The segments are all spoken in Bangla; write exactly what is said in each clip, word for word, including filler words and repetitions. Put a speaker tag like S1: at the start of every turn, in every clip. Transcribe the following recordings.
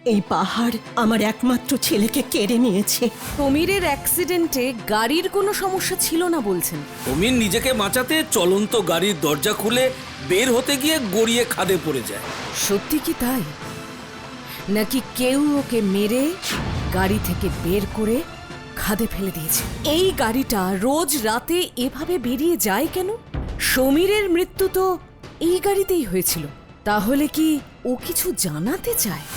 S1: এই পাহাড় আমার একমাত্র ছেলেকে কেড়ে নিয়েছে।
S2: সমীরের অ্যাক্সিডেন্টে গাড়ির কোনো সমস্যা ছিল না বলছেন?
S3: সমীর নিজেকে বাঁচাতে চলন্ত গাড়ির দরজা খুলে বের হতে গিয়ে গড়িয়ে খাদে পড়ে যায়।
S2: সত্যি কি তাই, নাকি কেউ ওকে মেরে গাড়ি থেকে বের করে খাদে ফেলে দিয়েছে? এই গাড়িটা রোজ রাতে এভাবে বেরিয়ে যায় কেন? সমীরের মৃত্যু তো এই গাড়িতেই হয়েছিল। তাহলে কি ও কিছু জানাতে চায়?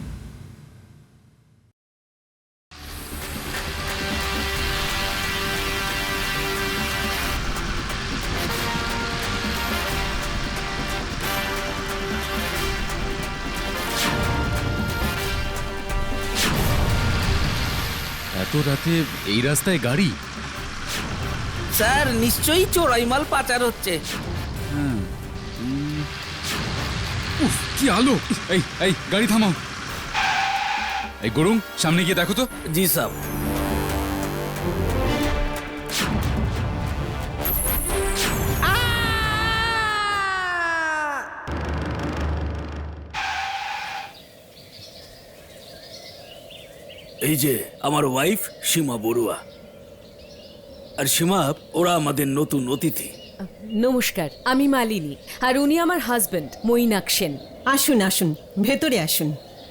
S4: এত রাতে এই রাস্তায় গাড়ি?
S3: স্যার নিশ্চয়ই চোরাই মাল পাচার হচ্ছে।
S4: উফ, কি আলো! এই এই গাড়ি থামাও। এই গরুং, সামনে গিয়ে দেখো তো।
S3: জি সাহেব। এই যে আমার ওয়াইফ সীমা বড়ুয়া, আর সীমা ওরা আমাদের নতুন অতিথি।
S2: নমস্কার, আমি মালিনী, আর উনি আমার হাজবেন্ড মৈনাক সেন।
S1: আসুন আসুন, ভেতরে আসুন।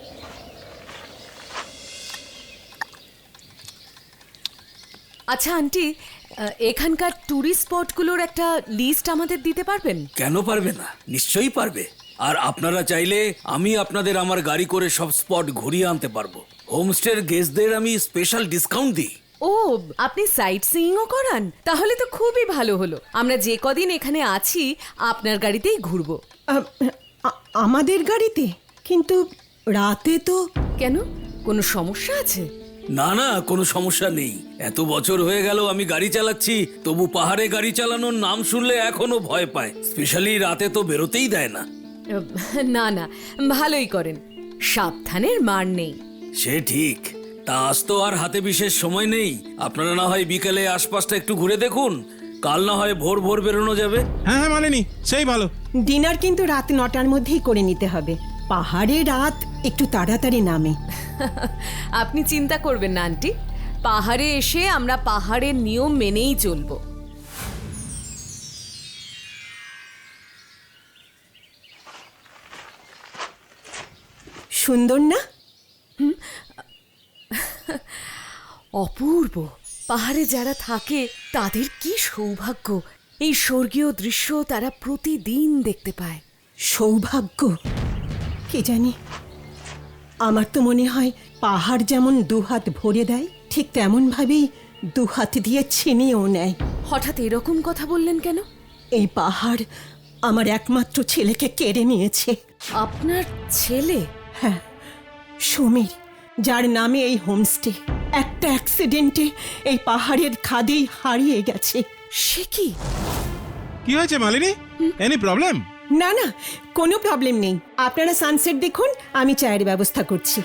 S2: আচ্ছা আন্টি, এখানকার ট্যুরিস্ট স্পটগুলোর একটা লিস্ট আমাদের দিতে পারবেন?
S3: কেন পারবে না, নিশ্চয়ই পারবে। আর আপনারা চাইলে আমি আপনাদের আমার গাড়ি করে সব স্পট ঘুরিয়ে আনতে পারবো। হোমস্টের গেস্টদের আমি স্পেশাল ডিসকাউন্ট দিই।
S2: ও, আপনি সাইট সিইংও করান? তাহলে তো খুবই ভালো হলো। আমরা যে কদিন এখানে আছি আপনার গাড়িতেই ঘুরবো।
S1: আ- আ- আমাদের গাড়িতে? কিন্তু রাতে তো।
S2: কেন, কোনো সমস্যা আছে?
S3: না না, কোনো সমস্যা নেই। এত বছর হয়ে গেল আমি গাড়ি চালাচ্ছি, তবু পাহাড়ে গাড়ি চালানোর নাম শুনলে এখনো ভয় পায়। স্পেশালি রাতে তো বেরোতেই দেয় না।
S2: না না, ভালোই করেন, সাবধানের মার নেই।
S3: সে ঠিক। তা আজ তো আর হাতে বিশেষ সময় নেই। আপনারা না হয় বিকেলে আশপাশটা একটু ঘুরে দেখুন, কাল না হয় ভোর ভোর বেরোনো যাবে।
S5: হ্যাঁ হ্যাঁ মানেনি, সেই ভালো।
S1: ডিনার কিন্তু রাত নটার মধ্যেই করে নিতে হবে। পাহাড়ে রাত একটু তাড়াতাড়ি নামে।
S2: আপনি চিন্তা করবেন না আন্টি, পাহাড়ে এসে আমরা পাহাড়ের নিয়ম মেনেই চলবো।
S1: সুন্দর না?
S2: অপূর্ব। পাহাড়ে যারা থাকে তাদের কি সৌভাগ্য, এই স্বর্গীয় দৃশ্য তারা প্রতিদিন দেখতে পায়।
S1: সৌভাগ্য? কি জানি, আমার তো মনে হয় পাহাড় যেমন দুহাত ভরে দেয়, ঠিক তেমন ভাবেই দুহাত দিয়ে ছিনিয়েও নেয়।
S2: হঠাৎ এরকম কথা বললেন কেন?
S1: এই পাহাড় আমার একমাত্র ছেলেকে কেড়ে নিয়েছে।
S2: আপনার ছেলে?
S1: হ্যাঁ, সমীর, যার নামে এই হোমস্টে, একটা অ্যাক্সিডেন্টে এই পাহাড়ের খাদেই হারিয়ে গেছে।
S2: সে কি?
S5: কি হয়েছে মালিনী? Any problem?
S1: না না, কোনো প্রবলেম নেই। আপনারা সানসেট দেখুন, আমি চায়ের ব্যবস্থা করছি।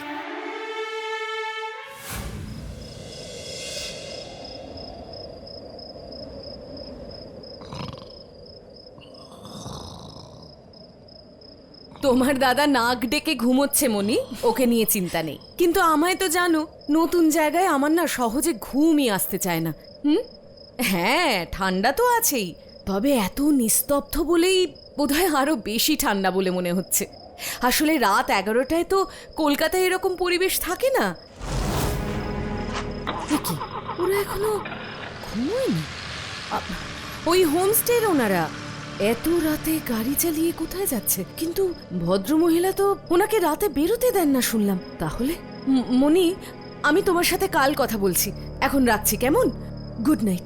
S2: তোমার দাদা নাক ডেকে ঘুমোচ্ছে মনি, ওকে নিয়ে চিন্তা নেই। কিন্তু আমায় তো জানো, নতুন জায়গায় আমার না সহজে ঘুমই আসতে চায় না। হুম, হ্যাঁ ঠান্ডা তো আছেই, তবে এত নিস্তব্ধ বলেই বোধহয় আরো বেশি ঠান্ডা বলে মনে হচ্ছে। আসলে রাত এগারোটায় তো কলকাতায় এরকম পরিবেশ থাকে না। দেখি, ওরা এখনো ঘুমোয়নি। আ- ওই হোমস্টের ওনারা এত রাতে গাড়ি চালিয়ে কোথায় যাচ্ছে? কিন্তু ভদ্রমহিলা তো ওনাকে রাতে বেরোতে দেন না শুনলাম। তাহলে ম- মনি, আমি তোমার সাথে কাল কথা বলছি, এখন রাখছি কেমন? Good night.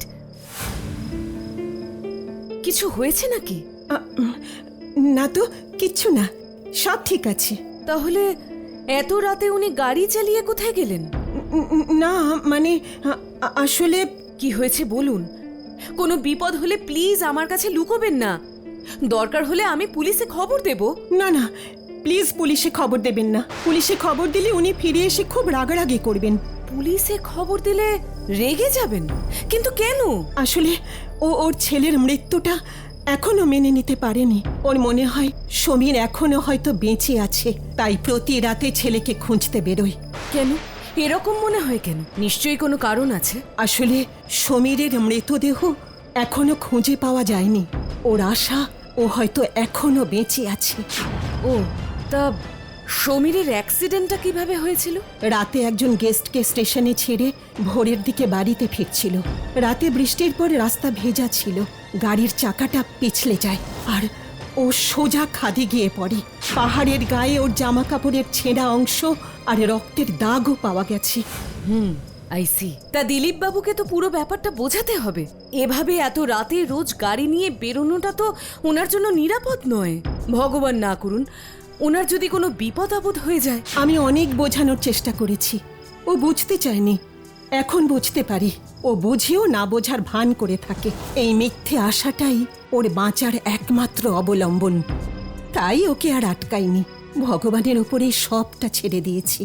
S2: কিছু হয়েছে নাকি?
S1: আ, উম, না তো, কিচ্ছু না, সব ঠিক আছে।
S2: তাহলে এত রাতে উনি গাড়ি চালিয়ে কোথায় গেলেন?
S1: উম, উম, না মানে আ- আ- আসলে
S2: কি হয়েছে বলুন। কোনো বিপদ হলে প্লিজ আমার কাছে লুকোবেন না। দরকার হলে আমি পুলিশে খবর দেব।
S1: না না, প্লিজ পুলিশে খবর দেবেন না। পুলিশে খবর দিলে উনি ফিরে এসে খুব রাগারাগি করবেন।
S2: পুলিশে খবর দিলে রেগে যাবেন? কিন্তু কেন?
S1: আসলে ও ওর ছেলের মৃত্যুটা এখনো মেনে নিতে পারেনি। ওর মনে হয় সমীর এখনো হয়তো বেঁচে আছে, তাই প্রতি রাতে ছেলেকে খুঁজতে বেরোয়।
S2: কেন এরকম মনে হয় কেন? নিশ্চয়ই কোনো কারণ আছে।
S1: আসলে সমীরের মৃতদেহ এখনো খুঁজে পাওয়া যায়নি। ওর আশা ও হয়তো এখনো বেঁচে আছে।
S2: ও তা সমীরের অ্যাক্সিডেন্টটা কিভাবে হয়েছিল?
S1: রাতে একজন গেস্টকে স্টেশনে ছেড়ে ভোরের দিকে বাড়িতে ফিরছিল। রাতে বৃষ্টির পর রাস্তা ভেজা ছিল, গাড়ির চাকাটা পিছলে যায় আর ও সোজা খাদে গিয়ে পড়ে। পাহাড়ের গায়ে ওর জামা কাপড়ের ছেঁড়া অংশ আর রক্তের দাগও পাওয়া গেছে।
S2: হুম আই সি। তা দিলীপ বাবুকে তো পুরো ব্যাপারটা বোঝাতে হবে। এভাবে এত রাতে রোজ গাড়ি নিয়ে বেরোনোটা তো ওনার জন্য নিরাপদ নয়। ভগবান না করুন ওনার যদি কোনো বিপদ আপদ হয়ে যায়।
S1: আমি অনেক বোঝানোর চেষ্টা করেছি, ও বুঝতে চায়নি। এখন বুঝতে পারি ও বুঝেও না বোঝার ভান করে থাকে। এই মিথ্যে আশাটাই ওর বাঁচার একমাত্র অবলম্বন। তাই ওকে আর আটকাইনি, ভগবানের ওপরেই সবটা ছেড়ে দিয়েছি।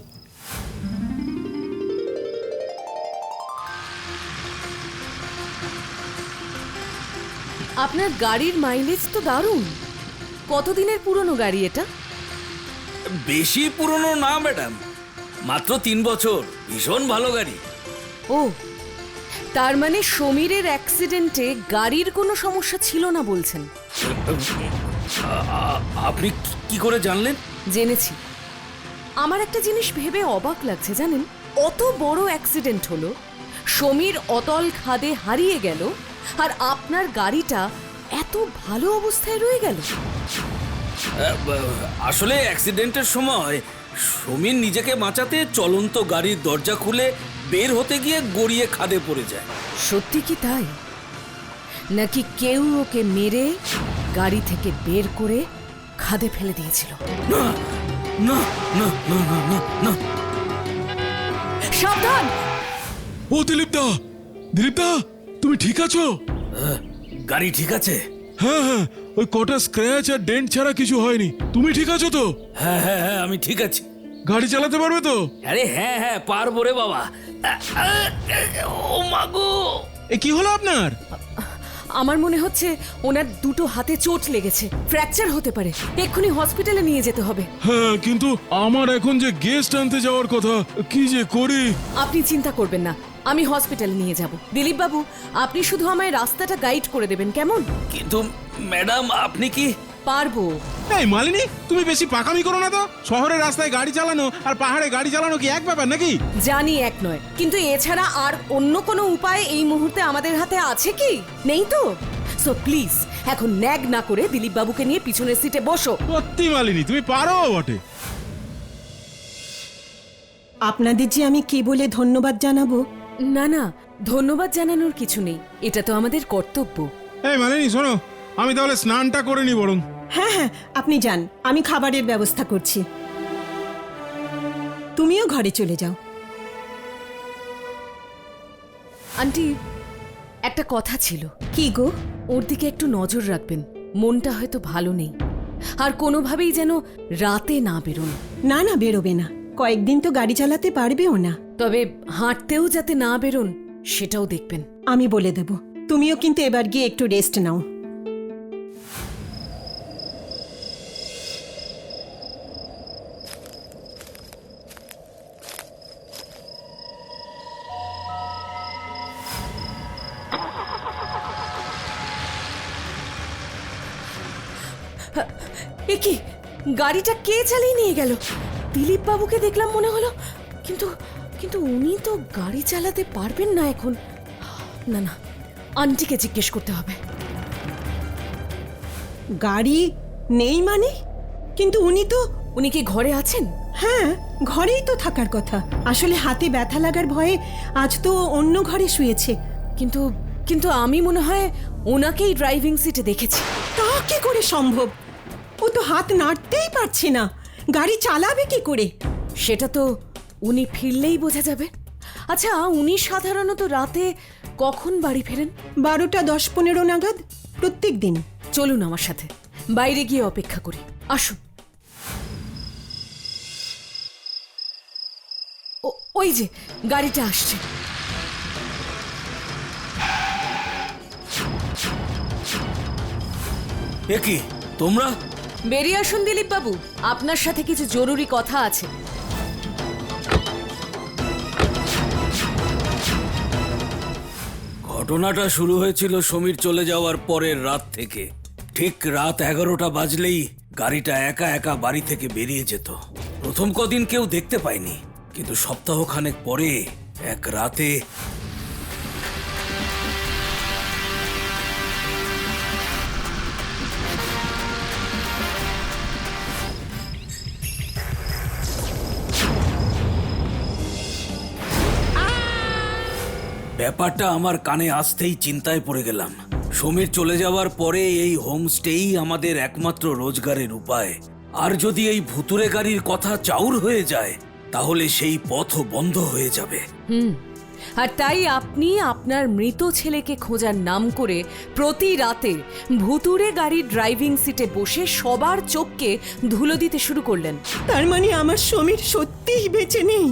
S2: আপনার গাড়ির মাইলেজ তো দারুণ। কতদিনের পুরনো গাড়ি এটা?
S3: বেশি পুরনো না ম্যাডাম, মাত্র তিন বছর। ভীষণ ভালো গাড়ি।
S2: ও তার মানে সমীরের অ্যাক্সিডেন্টে গাড়ির কোনো সমস্যা ছিল না বলছেন?
S3: আ- আ- আপনি কি- কি করে জানলেন?
S2: জেনেছি। আমার একটা জিনিস ভেবে অবাক লাগছে জানেন, অত বড় অ্যাক্সিডেন্ট হলো, সমীর অতল খাদে হারিয়ে গেল, আর আপনার গাড়িটা এত ভালো অবস্থায় রয়ে গেল।
S3: আ, ব- আসলে অ্যাক্সিডেন্টের সময় সমীর নিজেকে বাঁচাতে চলন্ত গাড়ির দরজা খুলে বের হতে গিয়ে গড়িয়ে খাদে পড়ে যায়।
S2: সত্যি কি তাই, নাকি কেউ ওকে মেরে গাড়ি থেকে বের করে খাদে ফেলে দিয়েছিল?
S3: না না না না না না না
S2: সাবধান!
S6: ও দিলীপ দা, দিলীপ দা, তুমি ঠিক আছো?
S3: আ, গাড়ি ঠিক আছে?
S6: হ্যাঁ হ্যাঁ, ওই কটা স্ক্র্যাচ আর ডেন্ট ছাড়া কিছু হয়নি। তুমি ঠিক আছো তো?
S3: হ্যাঁ হ্যাঁ হ্যাঁ আমি ঠিক আছি।
S6: গাড়ি চালাতে পারবে তো?
S3: আরে হ্যাঁ হ্যাঁ পারবো রে বাবা। আ, আ, ও মাগো!
S5: এ কি হলো আপনার?
S2: আমার মনে হচ্ছে ওনার দুটো হাতে চোট লেগেছে, ফ্র্যাকচার হতে পারে। এক্ষুনি হসপিটালে নিয়ে যেতে হবে।
S6: হ্যাঁ, কিন্তু আমার এখন যে গেস্ট আনতে যাওয়ার কথা, কি যে করি।
S2: আপনি চিন্তা করবেন না, আমি হসপিটালে নিয়ে যাব। দিলীপ বাবু আপনি শুধু আমায় রাস্তাটা গাইড করে দেবেন, কেমন?
S3: কিন্তু ম্যাডাম আপনি কি?
S2: পারবো।
S5: এই মালিনী, তুমি বেশি পাকামি করো না তো। শহরের রাস্তায় গাড়ি চালানো আর পাহাড়ে গাড়ি চালানো কি এক ব্যাপার নাকি?
S2: জানি এক নয়, কিন্তু এছাড়া আর অন্য কোনো উপায় এই মুহূর্তে আমাদের হাতে আছে কি? নেই তো। সো প্লিজ এখন ন্যাগ না করে দিলীপ বাবুকে নিয়ে পিছনের সিটে বসো।
S5: সত্যি মালিনী, তুমি পারো বটে।
S1: আপনাদের যে আমি কি বলে ধন্যবাদ জানাবো?
S2: না না, ধন্যবাদ জানানোর কিছু নেই, এটা তো আমাদের কর্তব্য।
S5: এই মালিনী শোনো, আমি তাহলে স্নানটা করে নি বরং।
S1: হ্যাঁ হ্যাঁ, আপনি যান, আমি খাবারের ব্যবস্থা করছি। তুমিও ঘরে চলে যাও।
S2: আন্টি একটা কথা ছিল।
S1: কি গো?
S2: ওর দিকে একটু নজর রাখবেন, মনটা হয়তো ভালো নেই, আর কোনোভাবেই যেন রাতে না বেরোন।
S1: না না, বেরোবে না। কয়েকদিন তো গাড়ি চালাতে পারবেও না।
S2: তবে হাঁটতেও যাতে না বেরোন সেটাও দেখবেন।
S1: আমি বলে দেব। তুমিও কিন্তু এবার গিয়ে একটু রেস্ট নাও।
S2: এ কি, গাড়িটা কে চালিয়ে নিয়ে গেল? দিলীপ বাবুকে দেখলাম মনে হলো, কিন্তু কিন্তু উনি তো গাড়ি চালাতে পারবেন না এখন। না না, আন্টিকে জিজ্ঞেস করতে হবে।
S1: গাড়ি নেই মানে? কিন্তু উনি তো...
S2: উনি কি ঘরে আছেন?
S1: হ্যাঁ, ঘরেই তো থাকার কথা। আসলে হাতে ব্যথা লাগার ভয়ে আজ তো অন্য ঘরে শুয়েছে।
S2: কিন্তু কিন্তু আমি মনে হয় ওনাকেই ড্রাইভিং সিটে দেখেছি।
S1: তা কি করে সম্ভব? ও তো হাত নাড়তেই পারছে না, গাড়ি চালাবে কি করে?
S2: সেটা তো উনি ফিরলেই বোঝা যাবে। আচ্ছা, উনি সাধারণত রাতে কখন বাড়ি ফেরেন?
S1: বারোটা দশ পনেরো নাগাদ প্রত্যেক দিন।
S2: চলুন আমার সাথে, বাইরে গিয়ে অপেক্ষা করি। আসুন। ও- ওই যে গাড়িটা আসছে।
S3: এ কি তোমরা?
S2: বেরিয়ে আসুন দিলীপ বাবু, আপনার সাথে কিছু জরুরি কথা আছে।
S3: ঘটনাটা শুরু হয়েছিল সমীর চলে যাওয়ার পরের রাত থেকে। ঠিক রাত এগারোটা বাজলেই গাড়িটা একা একা বাড়ি থেকে বেরিয়ে যেত। প্রথম কদিন কেউ দেখতে পায়নি, কিন্তু সপ্তাহখানেক পরে এক রাতে ব্যাপারটা আমার কানে আসতেই চিন্তায় পড়ে গেলাম। সমীর চলে যাওয়ার পরে এই হোমস্টেই আমাদের একমাত্র রোজগারের উপায়। আর যদি এই ভুতুরে গাড়ির কথা চাউর হয়ে যায়, তাহলে সেই পথও বন্ধ হয়ে যাবে।
S2: হুম, আর তাই আপনি আপনার মৃত ছেলেকে খোঁজার নাম করে প্রতি রাতে ভুতুরে গাড়ির ড্রাইভিং সিটে বসে সবার চোখকে ধুলো দিতে শুরু করলেন।
S1: তার মানে আমার সমীর সত্যিই বেঁচে নেই?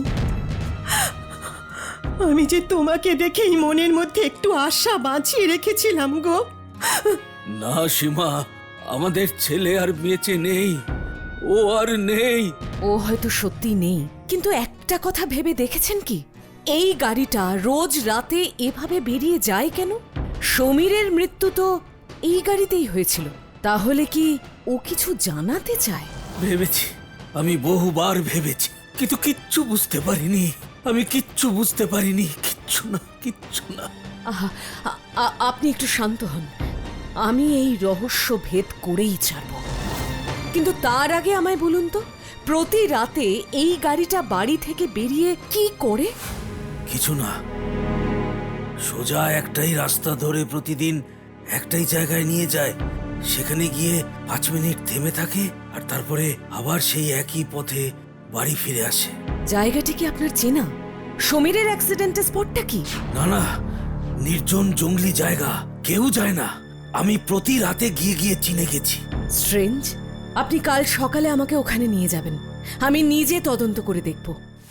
S1: আমি যে তোমাকে দেখেই মনের মধ্যে একটু আশা বাঁচিয়ে রেখেছিলাম গো।
S3: না সীমা, আমাদের ছেলে আর বেঁচে নেই, ও আর নেই।
S2: ও হয়তো সত্যি নেই, কিন্তু একটা কথা ভেবে দেখেছেন কি, এই গাড়িটা রোজ রাতে এভাবে বেরিয়ে যায় কেন? সমীরের মৃত্যু তো এই গাড়িতেই হয়েছিল। তাহলে কি ও কিছু জানাতে চায়?
S3: ভেবেছি, আমি বহুবার ভেবেছি, কিন্তু কিচ্ছু বুঝতে পারিনি। আমি কিচ্ছু বুঝতে পারিনি, কিচ্ছু না, কিচ্ছু না।
S2: আহা, আ- আ- আপনি একটু শান্ত হন, আমি এই রহস্য ভেদ করেই ছাড়ব। কিন্তু তার আগে আমায় বলুন তো, প্রতি রাতে এই গাড়িটা বাড়ি থেকে বেরিয়ে কি করে?
S3: কিছু না, সোজা একটাই রাস্তা ধরে প্রতিদিন একটাই জায়গায় নিয়ে যায়। সেখানে গিয়ে পাঁচ মিনিট থেমে থাকে, আর তারপরে আবার সেই একই পথে বাড়ি ফিরে আসে।
S2: জায়গাটি কি আপনার চেনা? সমীরের অ্যাক্সিডেন্টের স্পটটা কি?
S3: না না, নির্জন জঙ্গলি জায়গা, কেউ যায় না। আমি প্রতি রাতে গিয়ে গিয়ে চিনে গেছি।
S2: স্ট্রেঞ্জ। আপনি কাল সকালে আমাকে ওখানে নিয়ে যাবেন, আমি নিজে তদন্ত করে দেখব।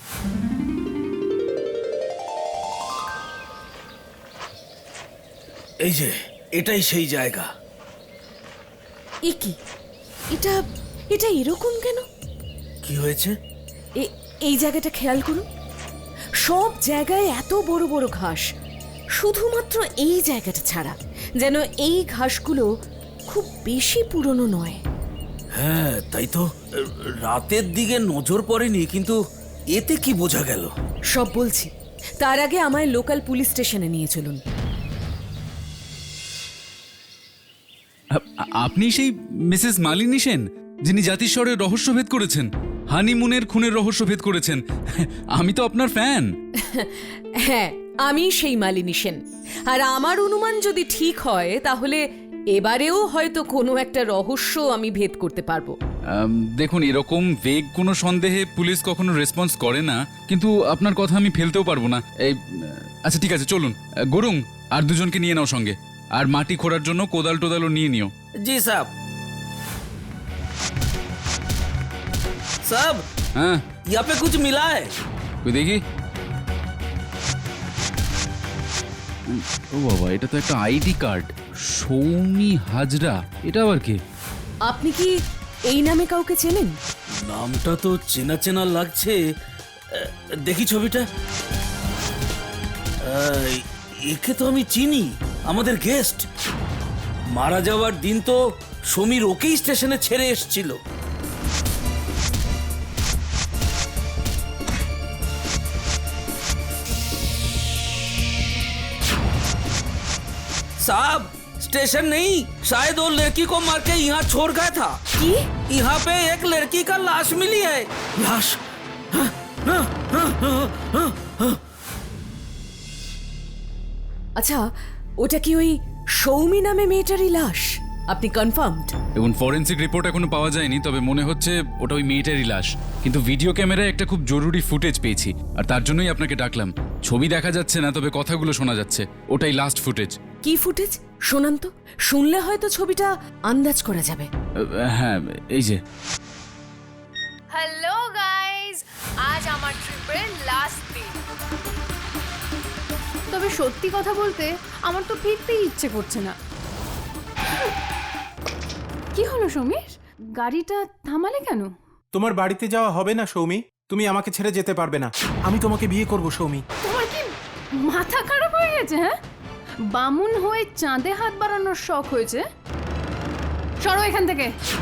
S3: এই যে, এটাই সেই জায়গা।
S2: এ কি, এটা এটা এরকম কেন?
S3: কি হয়েছে?
S2: এ- এই জায়গাটা খেয়াল করুন, সব জায়গায় এত বড় বড় ঘাস, শুধুমাত্র এই জায়গাটা ছাড়া। যেন এই ঘাসগুলো খুব বেশি পুরনো নয়।
S3: হ্যাঁ তাই তো, রাতের দিকে নজর পড়েনি, কিন্তু এতে কি বোঝা গেল?
S2: সব বলছি, তার আগে আমায় লোকাল পুলিশ স্টেশনে নিয়ে চলুন।
S4: আ- আপনি সেই মিসেস মালিনী সেন, যিনি জাতিস্বরের রহস্যভেদ করেছেন, হানিমুনের খুনের রহস্যভেদ করেছেন। আমি তো আপনার ফ্যান।
S2: হ্যাঁ, আমি সেই মালিনী সেন। আর আমার অনুমান যদি ঠিক হয়, তাহলে এবারেও হয়তো কোনো একটা রহস্য আমি ভেদ করতে পারবো।
S4: আম, দেখুন, এরকম ভেগ কোনো সন্দেহে পুলিশ কখনো রেসপন্স করে না, কিন্তু আপনার কথা আমি ফেলতেও পারবো না। এই আচ্ছা ঠিক আছে, চলুন। গরুং, আর দুজনকে নিয়ে নাও সঙ্গে, আর মাটি খোঁড়ার জন্য কোদাল টোদালও নিয়ে নিও।
S3: জি সাহেব। साहब,
S4: হ্যাঁ,
S3: यहाँ पे कुछ मिला है?
S4: কই দেখি। ও বাবা, এটা তো একটা আইডি কার্ড। সৌমি হাজরা, এটা আবার কি?
S2: আপনি কি এই নামে কাউকে চেনেন?
S3: নামটা তো চেনা চেনা লাগছে। আহ, দেখি ছবিটা। আহ, একে তো আমি চিনি, আমাদের গেস্ট। মারা যাওয়ার দিন তো সমীর ওকেই স্টেশনে ছেড়ে এসেছিল। साहब, स्टेशन नहीं, शायद वो लड़की को मार के यहाँ छोड़ गया था।
S2: কি?
S3: यहाँ पे एक लड़की का लाश मिली है। लाश? हाँ, हाँ, हाँ, हाँ, हाँ, हाँ।
S2: আচ্ছা, ওটা কি ওই সৌমি নামে মেয়েটারই লাশ? আপনি কনফার্মড?
S4: এখন ফরেন্সিক রিপোর্ট এখনো পাওয়া যায়নি, তবে মনে হচ্ছে ওটা ওই মেয়েটারই লাশ। কিন্তু ভিডিও ক্যামেরায় একটা খুব জরুরি ফুটেজ পেয়েছি, আর তার জন্যই আপনাকে ডাকলাম। ছবি দেখা যাচ্ছে না, তবে কথাগুলো শোনা যাচ্ছে। ওটাই লাস্ট ফুটেজ।
S2: কি ফুটেজ? শোনান তো, শুনলে হয়তো ছবিটা আন্দাজ করা যাবে।
S4: হ্যাঁ, এই যে।
S7: হ্যালো গাইস, আজ আমার ট্রিপের লাস্ট দিন। তবে সত্যি কথা বলতে আমার তো ফিরতেই ইচ্ছে করছে না।
S8: কি হলো সমীর? গাড়িটা থামালে কেন?
S5: তোমার বাড়িতে যাওয়া হবে না সৌমি, তুমি আমাকে ছেড়ে যেতে পারবে না। আমি তোমাকে বিয়ে করব সৌমি।
S8: তোমার কি মাথা খারাপ হয়ে গেছে? হ্যাঁ, বামুন হয়ে চাঁদে হাত বাড়ানোর শখ হয়েছে? সরো এখান থেকে।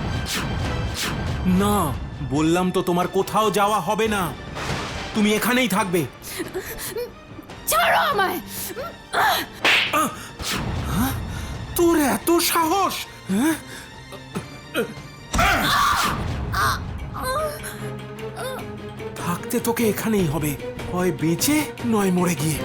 S5: না, বললাম তো তোমার কোথাও যাওয়া হবে না, তুমি এখানেই থাকবে।
S8: ছাড়ো আমায়।
S5: তোর এত সাহস? হ্যাঁ? থাকতে তোকে এখানেই হবে, হয় বেঁচে নয় মরে গিয়ে।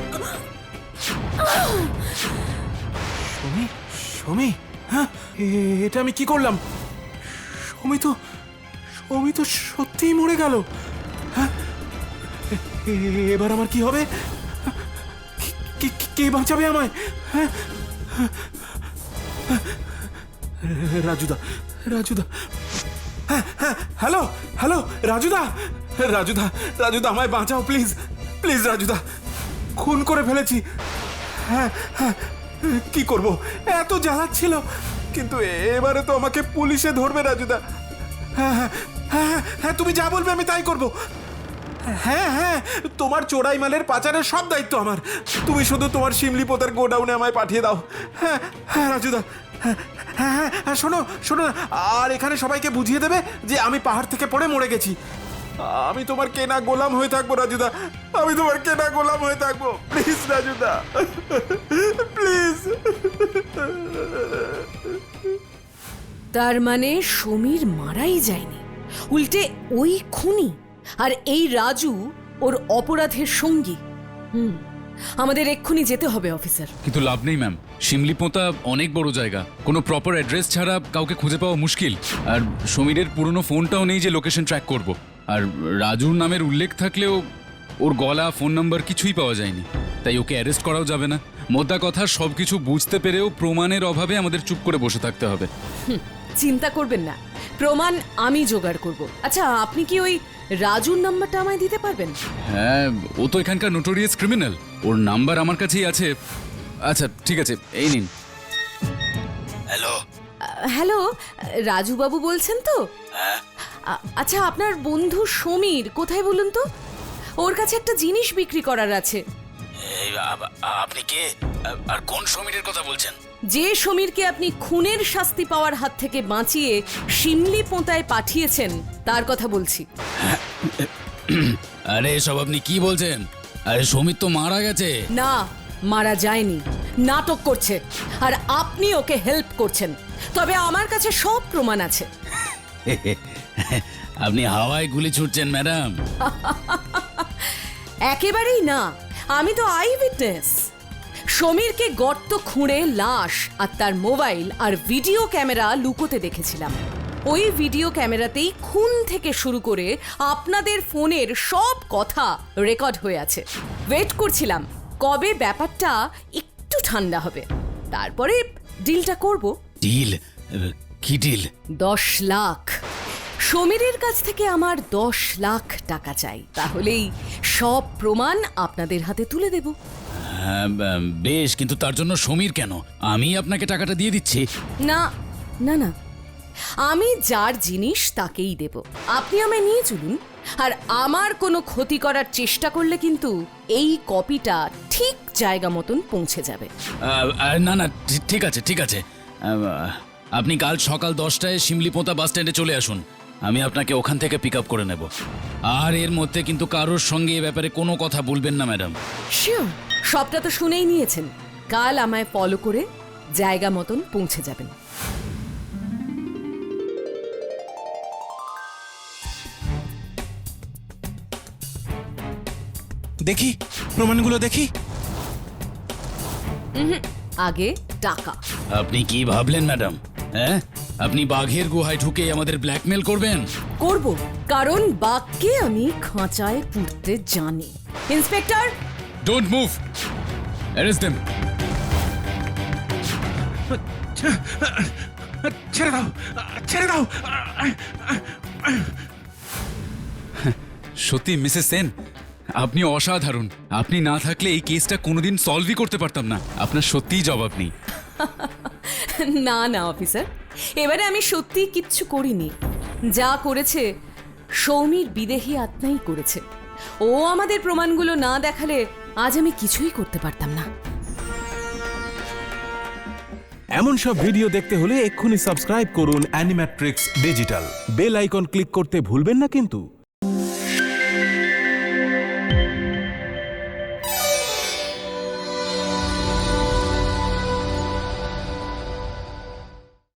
S5: সমী, সমী, হ্যাঁ, এ- এটা আমি কি করলাম? সমী তো সমী তো সত্যিই মরে গেল। হ্যাঁ, এ- এ- এবার আমার কি হবে? কি- কি- কি- কে বাঁচাবে আমায়? হ্যাঁ, রাজুদা, রাজুদা, হ্যাঁ হ্যাঁ, হ্যালো হ্যালো, রাজুদা, রাজুদা, রাজুদা, আমায় বাঁচাও প্লিজ, প্লিজ রাজুদা, খুন করে ফেলেছি। হ্যাঁ হ্যাঁ, কি করব, এত জ্বালাচ্ছিল, কিন্তু এবারে তো আমাকে পুলিশে ধরবে রাজুদা। হ্যাঁ হ্যাঁ হ্যাঁ হ্যাঁ, তুমি যা বলবে আমি তাই করব। হ্যাঁ হ্যাঁ, তোমার চোরাই মালের পাচারের সব দায়িত্ব আমার, তুমি শুধু তোমার শিমলি পোতার গোডাউনে আমায় পাঠিয়ে দাও। হ্যাঁ হ্যাঁ রাজুদা, হ্যাঁ হ্যাঁ হ্যাঁ হ্যাঁ, শোনো শোনো না, আর এখানে সবাইকে বুঝিয়ে দেবে যে আমি পাহাড় থেকে পড়ে মরে গেছি। আমি তোমার কেনা গোলাম হয়ে থাকবো রাজুদা, আমি তোমার কেনা গোলাম হয়ে থাকবো, প্লিজ রাজুদা, প্লিজ।
S2: তার মানে সমীর মারাই যায়নি, উল্টে ওই খুনি আর এই রাজু ওর অপরাধের সঙ্গী। হুম, আমাদের এক্ষুনি যেতে হবে অফিসার।
S4: কিন্তু লাভ নেই ম্যাম, শিমলিপোঁতা অনেক বড় জায়গা, কোনো প্রপার অ্যাড্রেস ছাড়া কাউকে খুঁজে পাওয়া মুশকিল। আর সমীরের পুরনো ফোনটাও নেই যে লোকেশন ট্র্যাক করব। আর রাজুর নামের উল্লেখ থাকলেও ওর গলা, ফোন নাম্বার কিছুই পাওয়া যায়নি, তাই ওকে অ্যারেস্ট করাও যাবে না। মোদ্দা কথা, সব কিছু বুঝতে পেরেও প্রমাণের অভাবে আমাদের চুপ করে বসে থাকতে হবে।
S2: হুম, চিন্তা করবেন না, প্রমাণ আমি জোগাড় করব। আচ্ছা, আপনি কি ওই রাজুর নাম্বারটা আমায় দিতে পারবেন?
S4: হ্যাঁ, ও তো এখানকার নোটোরিয়াস ক্রিমিনাল, ওর নাম্বার আমার কাছেই আছে। আচ্ছা ঠিক আছে, এই নিন।
S3: হ্যালো,
S2: হ্যালো, রাজু বাবু বলছেন তো? আ- আচ্ছা, আপনার বন্ধু সমীর কোথায় বলুন তো? ওর কাছে একটা জিনিস বিক্রি করার আছে।
S3: আপনি কে আর কোন সমীরের কথা বলছেন?
S2: যে সমীরকে আপনি খুনের শাস্তি পাওয়ার হাত থেকে বাঁচিয়ে শিমলি পোঁতায় পাঠিয়েছেন তার কথা বলছি।
S3: আরে এসব আপনি কি বলছেন? আরে সমীর তো মারা গেছে।
S2: না, মারা যায়নি, নাটক করছে, আর আপনি ওকে হেল্প করছেন। তবে আমার কাছে সব প্রমাণ আছে।
S3: আপনি হাওয়ায় গুলি ছুটছেন ম্যাডাম।
S2: একেবারেই না, আমি তো আই উইটনেস। সমীরকে গর্ত খুঁড়ে লাশ আর তার মোবাইল আর ভিডিও ক্যামেরা লুকোতে দেখেছিলাম। ওই ভিডিও ক্যামেরাতেই খুন থেকে শুরু করে আপনাদের ফোনের সব কথা রেকর্ড হয়ে আছে। ওয়েট করছিলাম কবে ব্যাপারটা একটু ঠান্ডা হবে, তারপরে ডিলটা করব।
S3: ডিল? কি ডিল?
S2: দশ লাখ। সমীরের কাছ থেকে আমার দশ লাখ টাকা চাই, তাহলেই সব প্রমাণ আপনাদের হাতে তুলে দেব।
S3: হ্যাঁ, বেশ, কিন্তু তার জন্য সমীর কেন? আমি আপনাকে টাকাটা দিয়ে দিচ্ছি।
S2: না না না, আমি যার জিনিস তাকেই দেব। আপনি আমায় নিয়ে চলুন, আর আমার কোনো ক্ষতি করার চেষ্টা করলে কিন্তু এই কপিটা ঠিক জায়গা মতন পৌঁছে যাবে।
S3: আহ, আহ, না না, ঠি- ঠিক আছে ঠিক আছে, আহ, আপনি কাল সকাল দশটায় শিমলিপোঁতা বাস স্ট্যান্ডে চলে আসুন, আমি আপনাকে ওখান থেকে পিক আপ করে নেব। আর এর মধ্যে কিন্তু কারোর সঙ্গে এ ব্যাপারে কোনো কথা বলবেন না ম্যাডাম।
S2: শিওর, সবটা তো শুনেই নিয়েছেন। কাল আমায় ফলো করে জায়গা মতন পৌঁছে যাবেন।
S5: দেখি প্রমাণগুলো দেখি।
S2: আগে টাকা।
S3: আপনি কি ভাবলেন ম্যাডাম? হ্যাঁ, আপনি বাঘের গুহায় ঢুকে আমাদের ব্ল্যাকমেল করবেন?
S2: করব, কারণ বাঘকে আমি খাঁচায় পুড়তে জানি। Inspector,
S4: don't move, arrest them.
S5: ছেড়ে দাও, ছেড়ে দাও।
S4: সত্যি মিসেস সেন, আপনি অসাধারণ। আপনি না থাকলে এই কেসটা কোনোদিন সলভই করতে পারতাম না। আপনার সত্যিই জবাব নেই।
S2: না না অফিসার, এবারে আমি সত্যি কিচ্ছু করিনি, যা করেছে সৌমির বিদেহী আত্মাই করেছে। ও আমাদের প্রমাণগুলো না দেখালে আজ আমি কিছুই করতে পারতাম না।
S9: এমন সব ভিডিও দেখতে হলে এক্ষুনি সাবস্ক্রাইব করুন Animatrix digital. Bell icon click করতে ভুলবেন না কিন্তু।